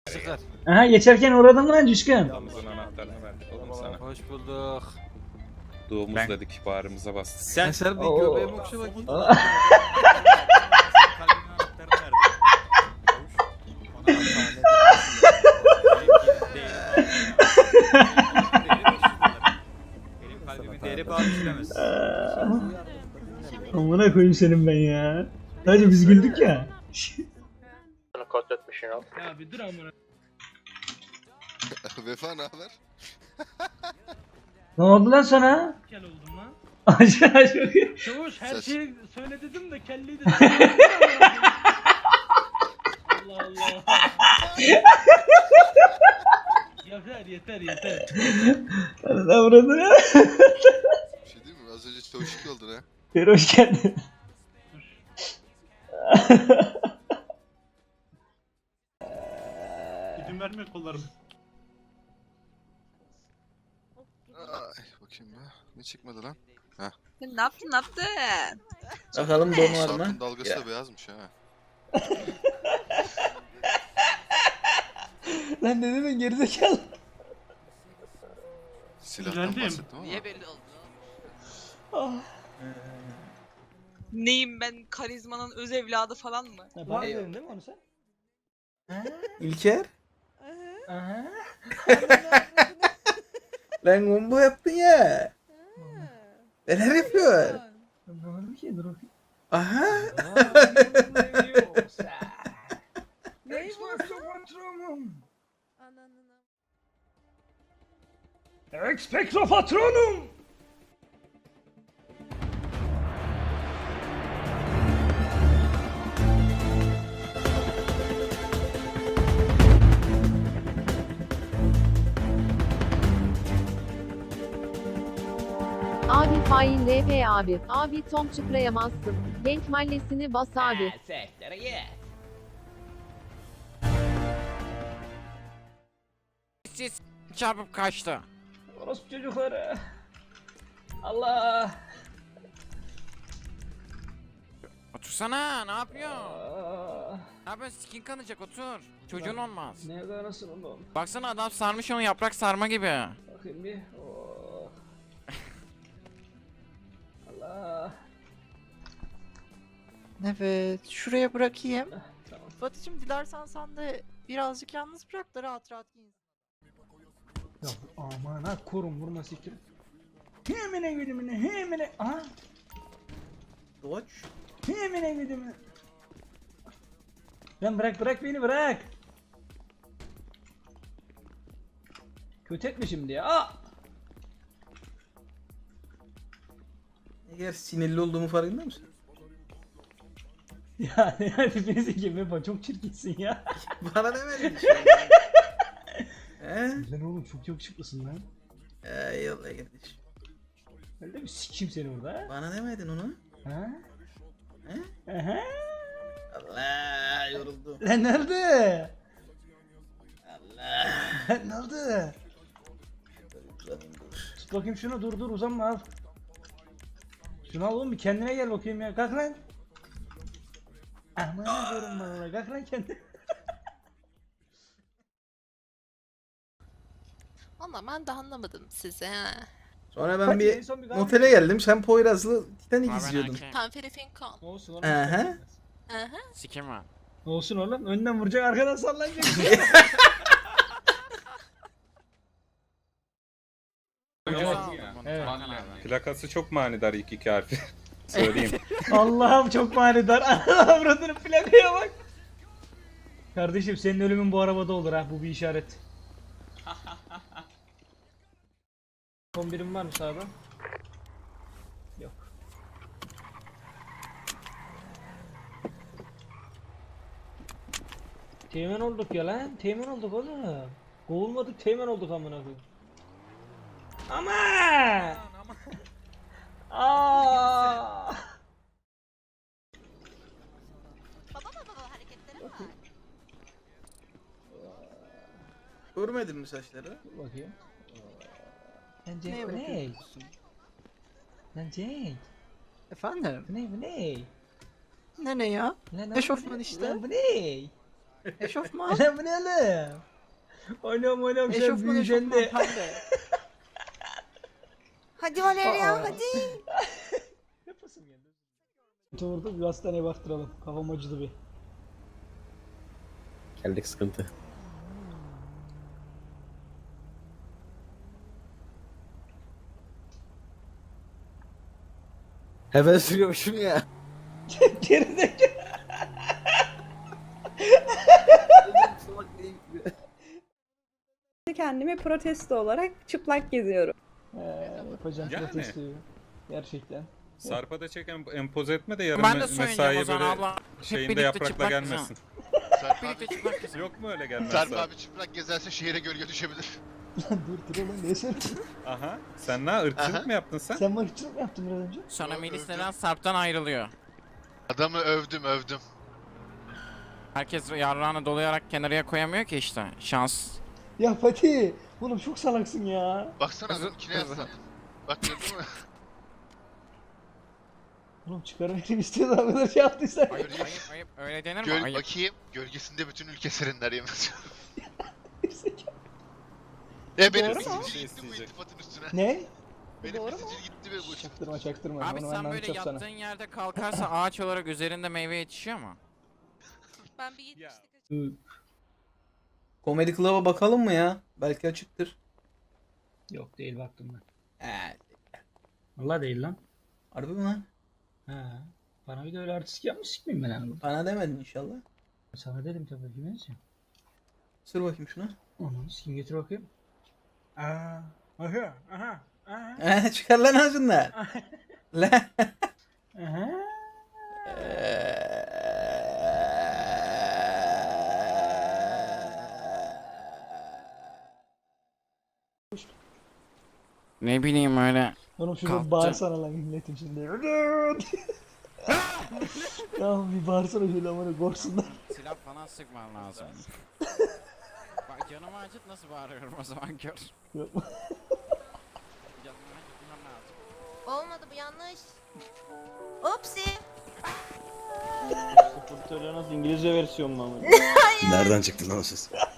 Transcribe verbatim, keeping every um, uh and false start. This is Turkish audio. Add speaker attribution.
Speaker 1: Çıkar.
Speaker 2: Aha geçerken uğradın mı lan Cüşkün?
Speaker 3: Damızın anahtarını verdik oğlum sana.
Speaker 1: Hoş bulduk.
Speaker 3: Doğumuz
Speaker 1: Ben-
Speaker 3: dedik, bağrımıza bastık.
Speaker 1: Sen sen bir
Speaker 2: Oo.
Speaker 1: göbeğimi okşa bakayım.
Speaker 2: Aa.
Speaker 1: Kalbimin anahtarını verdi. Benim kalbimin değeri bağlı işlemez.
Speaker 2: Amına koyayım senin ben ya. Sadece biz güldük ya.
Speaker 4: Ya bir dur amına.
Speaker 5: Vefa ne haber?
Speaker 2: Ne oldu lan sana?
Speaker 4: Kel oldum lan.
Speaker 2: Aşağı aşağı.
Speaker 4: Çavuş her
Speaker 5: Ses.
Speaker 4: şeyi söyle dedim de kelliyi de Allah Allah. Yeter yeter yeter.
Speaker 2: Arada burada.
Speaker 5: Bir şey değil mi? Az önce çavuşuk oldun ha.
Speaker 2: Bir hoş geldin.
Speaker 4: İzin vermiyor kollarım.
Speaker 5: Ay bakayım be. Ne çıkmadı lan?
Speaker 6: Ne yaptın ne yaptın?
Speaker 7: Bakalım don var mı?
Speaker 5: Sarp'ın dalgası da beyazmış ha.
Speaker 2: Lan ne dedin gerizekalı?
Speaker 5: Silahtan
Speaker 4: Güzeldim.
Speaker 5: bahsettim ama.
Speaker 6: Niye belli oldu? Neyim ben, karizmanın öz evladı falan mı?
Speaker 2: Bana dedin değil mi onu sen?
Speaker 7: İlker?
Speaker 2: Aha.
Speaker 7: Lan combo yaptın ya. Neler yapıyor?
Speaker 2: Ne oldu ki? Dur bakayım.
Speaker 7: Aha.
Speaker 2: Expecto patronum.
Speaker 8: Abi fain R P abi. Abi Tom çıkrayamazsın. Genk mahallesini bas abi.
Speaker 1: Siz çarpıp kaçtı.
Speaker 2: Orospu çocukları. Allah.
Speaker 1: Otursana, ne yapıyorsun?
Speaker 2: Aa,
Speaker 1: Ne yapıyorsun? Skin kanacak, otur. Çocuğun olmaz.
Speaker 2: nerede nasıl oğlum?
Speaker 1: Baksana adam sarmış onu yaprak sarma gibi.
Speaker 2: Bakayım bir. Oh. Allah.
Speaker 9: Evet, şuraya bırakayım.
Speaker 2: Tamam.
Speaker 9: Batıcım dilersen sen de birazcık yalnız bırak da rahat rahat giyin.
Speaker 2: Ya aman ha korun vurma siktir. Hemine gidimine hemine. Aha.
Speaker 7: Doç.
Speaker 2: Hemine gidimine. Lan bırak bırak beni bırak. Kötü etme şimdi ya. Aa!
Speaker 7: Eğer sinirli olduğumu farkında mısın?
Speaker 2: Ya yani birisi gibi bak çok çirkinsin ya.
Speaker 7: Bana demedin şey. He?
Speaker 2: Lan oğlum çok yakışıklısın lan.
Speaker 7: Eyvallah kardeşim.
Speaker 2: Öyle bir sikeyim seni orada.
Speaker 7: Bana demedin onu.
Speaker 2: Ha?
Speaker 7: He?
Speaker 2: Aha.
Speaker 7: Allah yoruldum.
Speaker 2: Lan nerede?
Speaker 7: Allah.
Speaker 2: Lan nerede?
Speaker 7: Uzanayım dur.
Speaker 2: Tut bakayım şunu dur dur uzanma al. Şunu al oğlum bir kendine gel bakayım ya kalk lan. Aman diyorum bana kalk lan kendine.
Speaker 6: Valla ben de anlamadım sizi ha.
Speaker 7: Sonra ben
Speaker 2: Hadi en
Speaker 7: bir
Speaker 2: son bir kahve
Speaker 7: otele geldim. Sen Poyraz'lı Titanic
Speaker 1: Abi
Speaker 7: izliyordun.
Speaker 1: ben
Speaker 6: Pemferi Finkon.
Speaker 2: Olsun oğlum.
Speaker 7: Aha.
Speaker 6: Aha.
Speaker 1: Sikim var.
Speaker 2: Olsun oğlum önden vuracak arkadan sallanacak.
Speaker 3: Evet.
Speaker 2: Evet.
Speaker 3: Plakası çok manidar ilk iki harfi. Söyleyeyim.
Speaker 2: Allah'ım çok manidar. Avradının plakaya bak. Kardeşim senin ölümün bu arabada olur ha bu bir işaret. Son birim var mı sağda? Yok. Teğmen olduk ya lan. Teğmen olduk oğlum. Kovulmadık teğmen olduk amına koyayım. Ama! Aa!
Speaker 6: Baba baba baba hareketleri var.
Speaker 7: Görmedin mi saçları?
Speaker 2: Dur bakayım. Lan Cenk
Speaker 9: Neye
Speaker 2: bu ne?
Speaker 9: bakıyorsun?
Speaker 2: Lan Cenk.
Speaker 9: Efendim?
Speaker 2: Bu ne bu ne?
Speaker 9: Ne ne ya?
Speaker 2: Lan, lan bu
Speaker 9: Eşofman
Speaker 2: ne?
Speaker 9: işte.
Speaker 2: Lan bu ne?
Speaker 9: Eşofman.
Speaker 2: Lan bu ne lan? Oynam oynam sen
Speaker 9: Eşofman
Speaker 2: büyüyeceksin
Speaker 9: eşofman
Speaker 2: de.
Speaker 9: pembe.
Speaker 10: Hadi Valeria
Speaker 2: Aa.
Speaker 10: hadi.
Speaker 2: Yapasım geldi. Oturdu bir hastaneye baktıralım. Kafam acıdı bir.
Speaker 7: Geldik sıkıntı. Hemen sürüyormuşum ya.
Speaker 2: Gerizekalı.
Speaker 10: Kendimi protesto olarak çıplak geziyorum.
Speaker 2: Ee, yapacağım
Speaker 3: Yani.
Speaker 2: protestoyu. Gerçekten.
Speaker 3: Sarpa da çek em- empoze etme de yarın
Speaker 1: Ben de
Speaker 3: me-
Speaker 1: soyunacağım
Speaker 3: mesaiye
Speaker 1: o zaman
Speaker 3: böyle
Speaker 1: abla. Hep
Speaker 3: şeyinde
Speaker 1: birlikte
Speaker 3: yaprakla
Speaker 1: çıplak
Speaker 3: gelmesin.
Speaker 5: Sarp
Speaker 1: Birlikte
Speaker 5: abi,
Speaker 1: çıplak kızım.
Speaker 3: Yok mu öyle gelmez?
Speaker 5: Sarp
Speaker 3: Sarp?
Speaker 5: abi çıplak gezerse şehire gölge düşebilir.
Speaker 2: Lan dur dur oğlum ne sen?
Speaker 3: Aha. Sen ne ırkçılık
Speaker 5: Aha.
Speaker 3: mı yaptın sen?
Speaker 2: Sen bana ırkçılık mı yaptın biraz önce?
Speaker 1: Sonra
Speaker 5: Yok,
Speaker 1: Melis
Speaker 5: övdüm.
Speaker 1: neden Sarp'tan ayrılıyor?
Speaker 5: Adamı övdüm övdüm.
Speaker 1: Herkes yarrağını dolayarak kenarıya koyamıyor ki işte. Şans.
Speaker 2: Ya Fatih. Oğlum çok salaksın ya.
Speaker 5: Baksana
Speaker 1: Kızı-
Speaker 5: adam kine
Speaker 1: kızı.
Speaker 5: yazsan. Bak gördün mü?
Speaker 2: Oğlum çıkarmayı istiyoruz o kadar şey yaptıysan.
Speaker 1: Ayıp ayıp ayıp. Öyle denir mi?
Speaker 5: Göl
Speaker 1: Ayıp.
Speaker 5: bakayım. Gölgesinde bütün ülke serinler yemez. E benim
Speaker 10: Doğru mu?
Speaker 5: sicil
Speaker 3: Şey
Speaker 5: gitti bu
Speaker 3: isteyecek.
Speaker 5: iltifatın üstüne.
Speaker 2: Ne?
Speaker 5: Benim
Speaker 10: Doğru
Speaker 5: bir
Speaker 10: mu?
Speaker 5: sicil gitti ve bu
Speaker 2: Çaktırma çaktırma.
Speaker 1: Abi
Speaker 2: Onu
Speaker 1: sen
Speaker 2: benden
Speaker 1: böyle
Speaker 2: çok sana.
Speaker 1: yattığın yerde kalkarsa ağaç olarak üzerinde meyve yetişiyor mu?
Speaker 6: Ben bir yetmişlik
Speaker 7: Hı. Comedy Club'a bakalım mı ya? Belki açıktır.
Speaker 2: Yok değil baktım ben.
Speaker 7: Ee,
Speaker 2: Valla değil lan.
Speaker 7: harbi mi lan?
Speaker 2: Ha. Bana bir de öyle artistik yapmış mıyım ben abi?
Speaker 7: Bana demedin inşallah.
Speaker 2: Sana dedim tabii ki neyse.
Speaker 7: Sür bakayım şuna.
Speaker 2: Onu kim getir bakayım. Aa. Aha. Aha. Aha.
Speaker 7: Ee, çıkar lan ağzından. Lan.
Speaker 2: Aha.
Speaker 1: Ne bileyim öyle.
Speaker 2: Oğlum şurada
Speaker 1: Kalktı.
Speaker 2: bağırsana lan milletim şimdi. Tamam bir bağırsana şöyle amına korksunlar.
Speaker 1: Silah falan sıkman lazım. Bak canımı acıt nasıl bağırıyorum o zaman gör.
Speaker 2: Yok.
Speaker 1: Canımı acıtmam lazım.
Speaker 10: Olmadı bu yanlış. Upsi.
Speaker 2: Nasıl İngilizce versiyon mu ama?
Speaker 11: Nereden çıktı lan o ses?